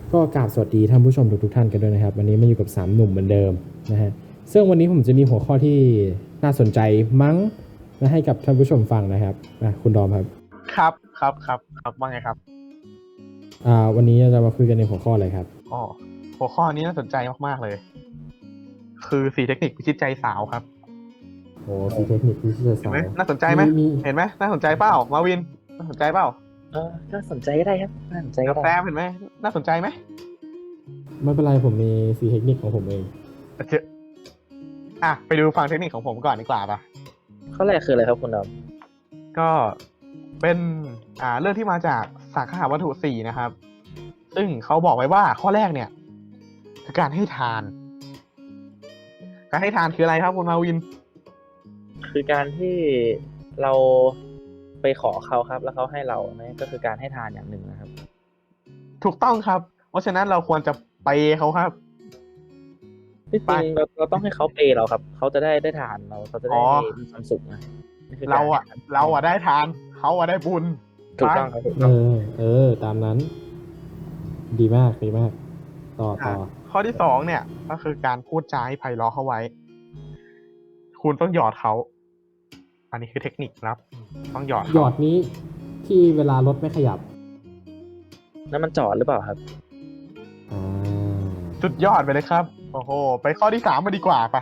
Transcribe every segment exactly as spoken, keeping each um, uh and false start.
ก็กราบสวัสดีท่านผู้ชมทุกๆท่านกันด้วยนะครับวันนี้มาอยู่กับสามหนุ่มเหมือนเดิมนะฮะซึ่งวันนี้ผมจะมีหัวข้อที่น่าสนใจมั้งและให้กับท่านผู้ชมฟังนะครับอ่ะคุณดอมครับครับครับครับครับว่าไงครับอ่าวันนี้เราจะมาคุยกันในหัวข้ออะไรครับอ๋อหัวข้อนี้น่าสนใจมากๆเลยคือสี่เทคนิคพิชิตใจสาวครับโอ้สีเทคนิคที่จะสาเห็นไหมวน่าสนใจไหมเห็นไหมน่าสนใจเปล่ามาวินน่าสนใจเปล่าเออน่าสนใจก็ได้ครับน่าสนใจก็กับได้แซมเห็นไหมน่าสนใจไหมไม่เป็นไรผมมีสีเทคนิคของผมเองโอเคอ่ะไปดูฟังเทคนิคของผมก่อนดีกว่าป่ะข้อแรกคืออะไรครับคุณดอมก็เป็นอ่าเรื่องที่มาจากสังคหวัตถุสี่นะครับซึ่งเขาบอกไว้ว่าข้อแรกเนี่ยคือการให้ทาน การให้ทานคืออะไรครับคุณมาวินคือการที่เราไปขอเขาครับ แล้วเขาให้เราเนี่ยก็คือการให้ทานอย่างหนึ่งนะครับถูกต้องครับ เพราะฉะนั้นเราควรจะไปเขาครับที่จริงเราเราต้องให้เขาเปย์เราครับเขาจะได้ได้ทานเราเขาจะได้มีความสุขนะนี่คืกเราอะเราอะได้ทานเขาอะได้บุญถูกต้องครับถูกเอต้องอเออตามนั้น ดีมากดีมากต่อต่อข้อที่สองเนี่ยก็คือการพูดจาให้ไพเราะเข้าไว้ คุณต้องหยอดเขา อันนี้คือเทคนิคครับ ต้องหยอดหยอดนี้ที่เวลารถไม่ขยับแล้วมันจอดหรือเปล่าครับอ่าสุดยอดไปเลยครับ โอ้โห ไปข้อที่สามมาดีกว่าปะ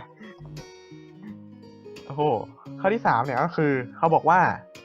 โอ้โห ข้อที่สามเนี่ยก็คือเขาบอกว่า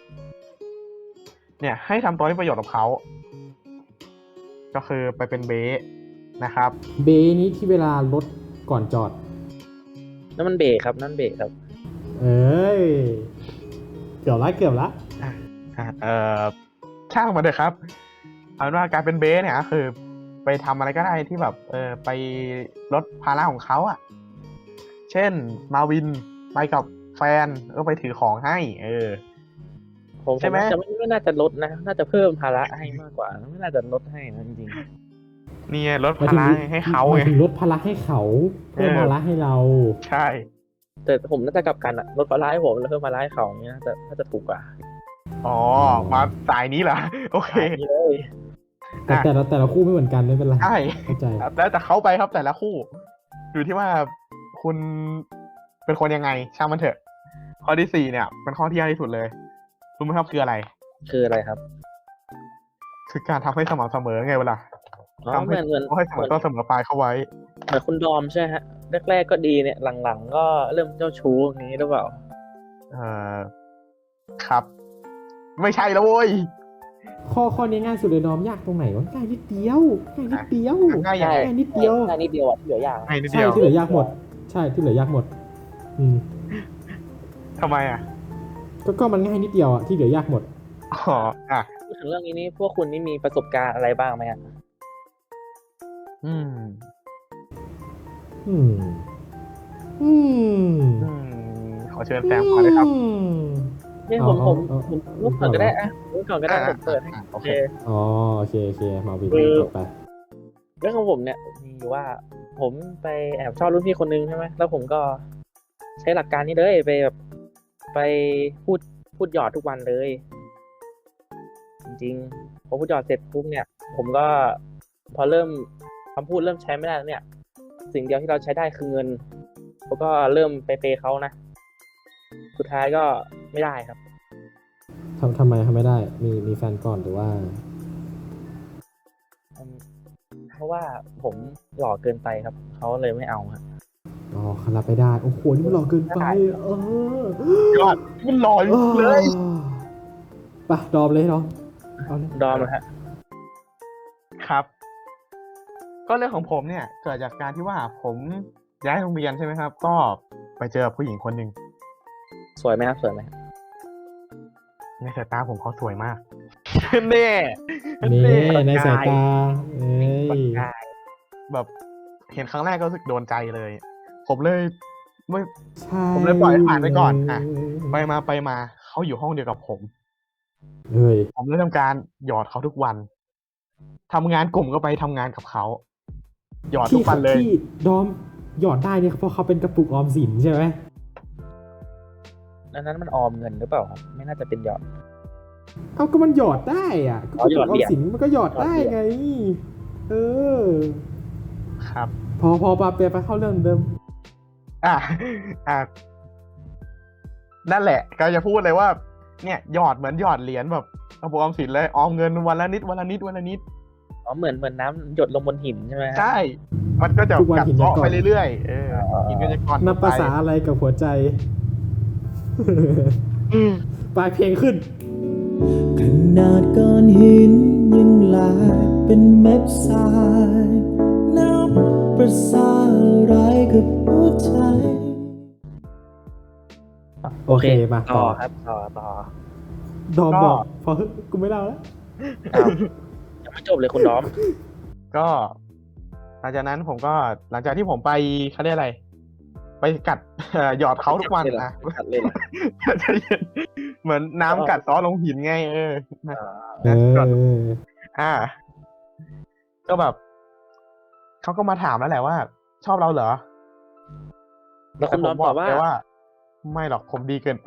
เนี่ย ให้ทำตัวให้ประโยชน์กับเขา ก็คือไปเป็นเบสนะครับเบนี้ที่เวลารถก่อนจอดนั่นมันเบรกครับนั่นเบรกครับเอ้ยเกือบละเกือบละอ่ะเอ่อช่างมันเถอะครับเอาเป็นว่าการเป็นเบสเนี่ยก็คือ ไปทำอะไรก็ได้ที่แบบเออไปลดภาระของเขาอ่ะ เช่นมาวินไปกับแฟนก็ไปถือของให้ เออผมใช่ไหมจะไม่ไม่น่าจะลดนะ น่าจะเพิ่มภาระให้มากกว่า ไม่น่าจะลดให้นะจริงนี่ไงลดหมายภาถึงระให้เขาหมาไงยถึงลดภาระให้เขาเพิ่มเออภาระให้เราใช่ๆแต่ผมน่าจะกลับกันอะลดภาระให้ผมแล้วเพิ่มภาระให้เขาอย่างเงี้ยน่าจะน่าจะถูกกว่าอ๋อ มาสายนี้เหรอ โอเคอันนี้เลยแต่แต่ละแต่ละคู่ไม่เหมือนกันไม่เป็นไรใช่เข้าใจแล้วแต่เขาไปครับแต่ละคู่ อยู่ที่ว่าคุณเป็นคนยังไง ช่างมันเถอะ ข้อที่สี่เนี่ย เป็นข้อที่ยากที่สุดเลยรู้ไหมครับคืออะไรคืออะไรครับคือการทำให้สม่ำเสมอไงเวลาอ๋อทำเหให้มือนเหมือนให้เสมอต้นเสมอปลายเข้าไว้เหมือนคุณดอมใช่ฮะแรกๆก็ดีเนี่ยหลังๆก็เริ่มเจ้าชู้อย่างนี้หรือเปล่าเอ่อครับ ไม่ใช่แล้วเว้ยข้อข้อนี้ง่ายสุดเลยน้อมยากตรงไหนวะง่ายนิดเดียวง่ายนิดเดียวง่ายยังไงง่ายนิดเดียวแค่นิดเดียวอ่ะที่เหลือยากง่ายนิดใช่เดียวที่เหลือยากหมด ใช่ที่เหลือยากหมด อืมทำไมอ่ะก็ก็มันง่ายนิดเดียวอ่ะที่เหลือยากหมดอ๋ออ่ะพูดถึงเรื่องนี้นี่พวกคุณนี่มีประสบการณ์อะไรบ้างไหมอ่ะอืมอืม อืมอืม ขอเชิญแซมก่อนเลยครับอืมเนี่ยเอาผมผมเอาเอาผมรูปก่อนก็ได้อะรูปก่อนก็ได้อ่าผมเปิดให้อ่าโอโอเคเคอ๋อโอเคโอเคมาวินคือจบไปเรื่องของผมเนี่ยมีอยู่ว่า ผมไปแอบชอบรุ่นพี่คนนึงใช่ไหมแล้วผมก็ใช้หลักการนี้เลยไปแบบไปพูดพูดหยอดทุกวันเลย จริงๆพอพูดหยอดเสร็จปุ๊บเนี่ย ผมก็พอเริ่มคำพูดเริ่มใช้ไม่ได้แล้วเนี่ย สิ่งเดียวที่เราใช้ได้คือเงินแล้วก็เริ่มไปเปย์เขานะ สุดท้ายก็ไม่ได้ครับทำทำไมทำไม่ได้ มีมีแฟนก่อนหรือว่าอืมเพราะว่าผมหล่อเกินไปครับเขาเลยไม่เอาครับอ๋อขรับไม่ได้ โอ้โห นี่มันหลอกเกินไป เออยอดมันลอยเออเลยไปดอมเลยดอมเอาเลยดอมนะฮะครับ ก็เรื่องของผมเนี่ย เกิดจากการที่ว่าผมย้ายโรงเรียนใช่ไหมครับ ก็ไปเจอผู้หญิงคนหนึ่งสวยไหมครับสวยไหมในสายตาผมเขาสวยมาก แน่นี่ในสายตาเอ้ยแบบเห็นครั้งแรกก็รู้สึกโดนใจเลย ผมเลยไม่ใช่ผมเลยปล่อยให้ผ่านไปก่อนอ่ะ ไปมาไปมาเขาอยู่ห้องเดียวกับผมเฮ้ยผมเลยทำการหยอดเขาทุกวันทำงานกลุ่มก็ไปทำงานกับเขาหยอดทุที่กวันเลยที่ดอมหยอดได้เนี่ยเพราะเขาเป็นกระปุกออมสินใช่ไหมอันนั้นมันออมเงินหรือเปล่าครับไม่น่าจะเป็นหยอดเอาก็มันหยอดได้อ่ะก็อ๋กอระปุกออหยอดเหรีมยญสินมันก็หยอดได้ไงเออครับพอพอปาเปียไปเข้าเรื่องเดิมอ่ะอ่ะนั่นแหละก็จะพูดเลยว่า เนี่ยหยอดเหมือนหยอดเหรียญแบบกระปุกออมสินเลยออมเงินวันละนิดวันละนิดวันละนิดอ๋อเหมือนเหมือนน้ำหยดลงบนหินใช่ไหมฮะใช่ มันก็จะทุกวันกัดหินจะเซาะก่อนไปเรื่อยๆเออหินก็จะก่อนนับภาษาอะไรกับหัวใจอืมปลายเพลงขึ้นขนาดก้อนหินยังลายเป็นเม็ดทรายนับประสาอะไรกับหัวใจโอเคมาต่ต่ออครับต่อต่อดอมบอก พอฮึกูไม่เล่าแล้วอ้าวยังไม่จบเลยคุณดอมก็หลังจากนั้นผมก็หลังจากที่ผมไปเขาเรียกอะไร ไปกัด เอ่อหยอดเขาทุกวันเลยเหรอนะกัดเลยเหรอใจเย็นเหมือนน้ำกัดเซอลงหินไง เออนะเอออ่า ก็แบบเขาก็มาถามแล้วแหละว่า ชอบเราเหรอแล้วคุณดผอมมตบออบ กว่าไปว่า ไม่หรอกผมดีเกินไป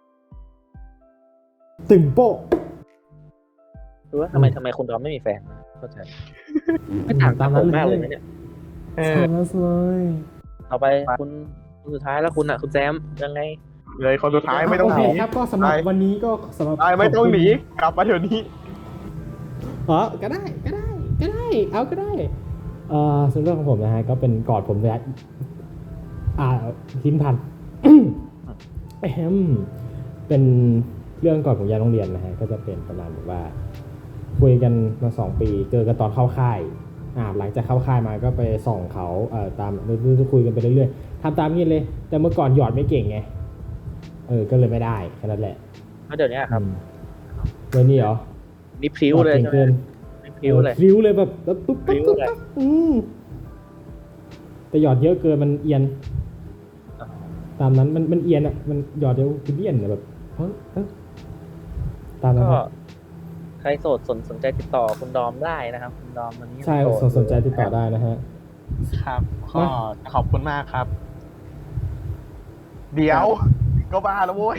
ตึงโป๊ะคือว่าทำไมทำไมคุณดอมไม่มีแฟนนะเข้าใจไม่ต่างตามผนั้นมเลยมากเลยนะเนี่ยเออใช่แล้วเลยต่อไปคุณคุณสุดท้ายแล้วคุณอ่ะคุณแซมยังไงเลยคนสุดท้ายไม่ต้องโอหเคนีครับก็สำหรับไปวันนี้ก็สำหรับไปไม่ต้องหนีขบคุณกลับมาเดี๋ยวนี้อ๋อก็ได้ก็ได้ก็ได้ เอาก็ได้ เอ่อส่วนเรื่องของผมนะฮะก็เป็นกอดผมระยะอ่าทิ้นพัน แอมเป็นเรื่องก่อนผมย้ายโรงเรียนนะฮะก็จะเป็นประมาณแบบว่า คุยกันมาสองปีเจอกันตอนเข้าค่ายอ่าหลังจากเข้าค่ายมาก็ไปส่องเขาเอ่อตามคุยกันไปเรื่อยๆทำตามนี้เลย แต่เมื่อก่อนหยอดไม่เก่งไงเออก็เลยไม่ได้แค่นั้นแหละแล้วเดี๋ยวนี้ครับอืมวันนี้เหรอนี่พริ้วเลยหอดใช่เก่งไหมเกินนี่พริ้วเลยพริ้วเลยแบบแล้วปุ๊บพริ้ปุ๊บวปุ๊บเลยปุ๊บอืมแต่หยอดเยอะเกินมันเอียน ตามนั้นมันมันเอียนอ่ะมันหยอดเดียวคือเบี้ยนอะแบบเฮ้ยเอ้ยตามนั้นก็ครับใครโสดสนสนใจติดต่อคุณดอมได้นะครับ คุณดอมวันนี้ใช่โสดสนสนใจติดต่อได้นะฮะครับก็ขอบคุณมากครับ เดี๋ยว ก็บ้าแล้วโว้ย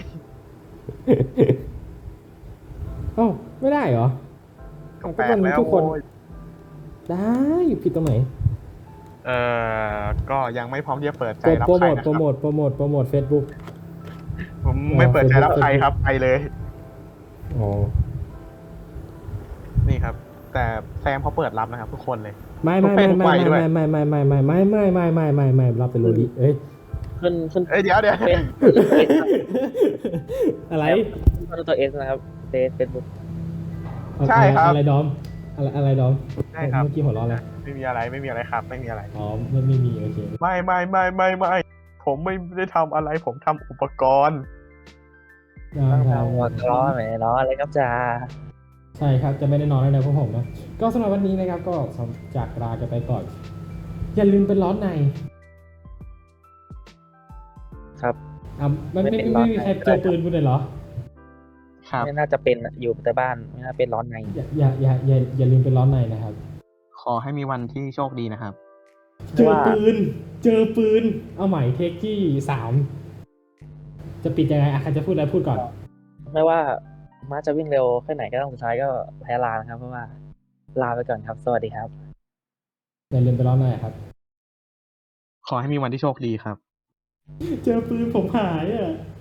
เอ้าไม่ได้เหรอก็แปลกแล้วทุกคนโว้ยได้ผิดตรงไหนเอ่อ ก็ยังไม่พร้อมที่จะเปิดใจโปรรับโปรใครโมทนะโปครรับโมทโปรโมทโปรโมทเฟซบุ๊กผมไม่เปิดใจรับใครครับ ไปเลยอ๋อนี่ครับ แต่แซมเขาเปิดรับนะครับ ทุกคนเลยไม่ไม่ไม่ทุกไม่เพศทุกวัยด้วยไม่ไม่ไม่ไม่ไม่ไม่ไม่ไม่ไม่ไม่ไม่รับเป็นโรลิเอ้ยขึ้นขึ้นเอ้ยเดี๋ยวเดี๋ยวเป็นอะไรขึ้นตัวเอสนะครับเฟซเฟซบุ๊กใช่ครับอะไรดอมอะไรอะไรดอมใช่ครับเมื่อกี้หัวเราะอะไรไม่มีอะไรไม่มีอะไรครับ ไม่มีอะไรอ๋อไม่ไม่มีโอเคไม่ไม่ไม่ไม่ไม่ผมไม่ได้ทำอะไร ผมทำอุปกรณ์ได้ต้องได้ทำหัวล้อไหมล้ออะไรครับจ้าใช่ครับจะไม่ได้นอนแล้วนะพวกผมนะก็สำหรับวันนี้นะครับก็จากลากันไปก่อน อย่าลืมเป็นร้อนในครับอ่ะไม่ไม่ไม่เป็นไม่ร้อนมีในใครเจอปืนกูเลยเหรอครับไม่น่าจะเป็นอะอยู่แต่บ้านไม่น่าเป็นร้อนในอย่าอย่าอย่าอย่าอย่าลืมเป็นร้อนในนะครับขอให้มีวันที่โชคดีนะครับเจอปืน เจอปืน เอาใหม่เทคที่สามจะปิดยังไงอ่ะใครจะพูดอะไรพูดก่อนไม่ว่าม้าจะวิ่งเร็วแค่ไหนก็ต้องสุดท้ายก็แพ้ลานะครับ เพราะว่าลาไปก่อนครับ สวัสดีครับอย่าลืมเป็นร้อนในครับขอให้มีวันที่โชคดีครับเจอปืนผมหายอ่ะ